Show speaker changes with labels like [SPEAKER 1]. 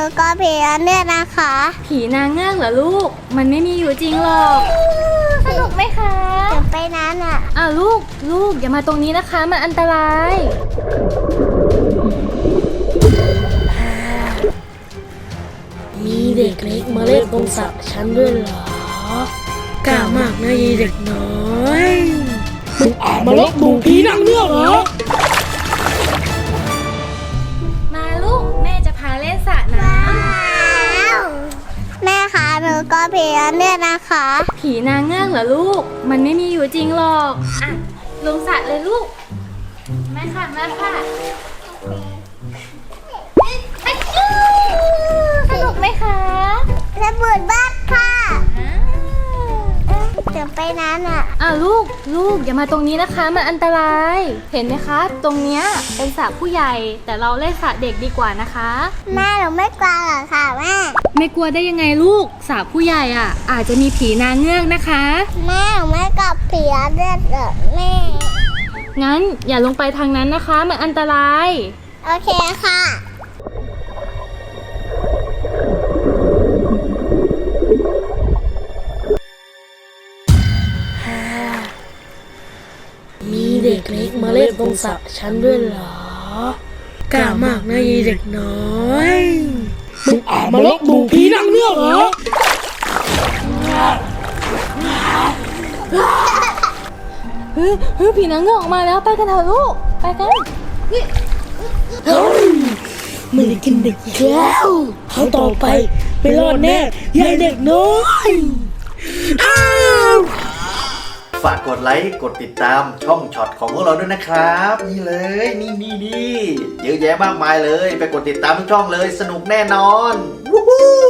[SPEAKER 1] ก็ผีเนี่ยนะคะ
[SPEAKER 2] ผีนางเงือกเหรอลูกมันไม่มีอยู่จริงหรอกสนุกไหมคะ
[SPEAKER 1] เดี๋ยวไปนั้นอ่ะ
[SPEAKER 2] ลูกอย่ามาตรงนี้นะคะมันอันตราย
[SPEAKER 3] มีเด็กเล็กมาเล่นตรงสระฉันด้วยเหรอกล้ามากนะยีเด็กน้อยมึงมาลบหมู่ผีนางเงือกเหรอ
[SPEAKER 2] มาลูกแม่จะพาเล่นสระน้
[SPEAKER 1] แม่คะหนูก็ผีเนี่ยนะคะ
[SPEAKER 2] ำผีนางเงือกเหรอลูกมันไม่มีอยู่จริงหรอกอ่ะลงสระเลยลูกแม่ค่ะสนุกไหมคะ
[SPEAKER 1] ระเบิดบ้านค่ะเดี๋ยวไปนั้นอ่ะ
[SPEAKER 2] ลูกอย่ามาตรงนี้นะคะมันอันตรายเห็นไหมคะตรงเนี้ยเป็นสระผู้ใหญ่แต่เราเล่นสระเด็กดีกว่านะคะ
[SPEAKER 1] แม่หนูไม่กลัวหรอกค่ะแม่
[SPEAKER 2] ไม่กลัวได้ยังไงลูกสระผู้ใหญ่อ่ะอาจจะมีผีนางเงือกนะคะ
[SPEAKER 1] แม่หนูไม่กลับผีเลือดเหรอแม่
[SPEAKER 2] งั้นอย่าลงไปทางนั้นนะคะมันอันตราย
[SPEAKER 1] โอเคค่ะ
[SPEAKER 3] มีเด็กเล็กมาเล่นตรงสระฉันด้วยเหรอกล้ามากนะยีเด็กน้อยมึงมาลบหมู่ผีนางเงือกเหรอ
[SPEAKER 2] เฮ้ยผีนางเงือกออกมาแล้วไปกันเถอะลูกไปกัน
[SPEAKER 3] เฮ้ยไม่ได้กินเด็กอีกแล้วเขาต่อไปไปรอดแน่ยายเด็กน้อยอ้าว
[SPEAKER 4] ฝากกดไลค์กดติดตามช่องช็อตของพวกเราด้วยนะครับ นี่เลยนี่เยอะแยะมากมายเลย ไปกดติดตามทุกช่องเลยสนุกแน่นอนวู้ฮู้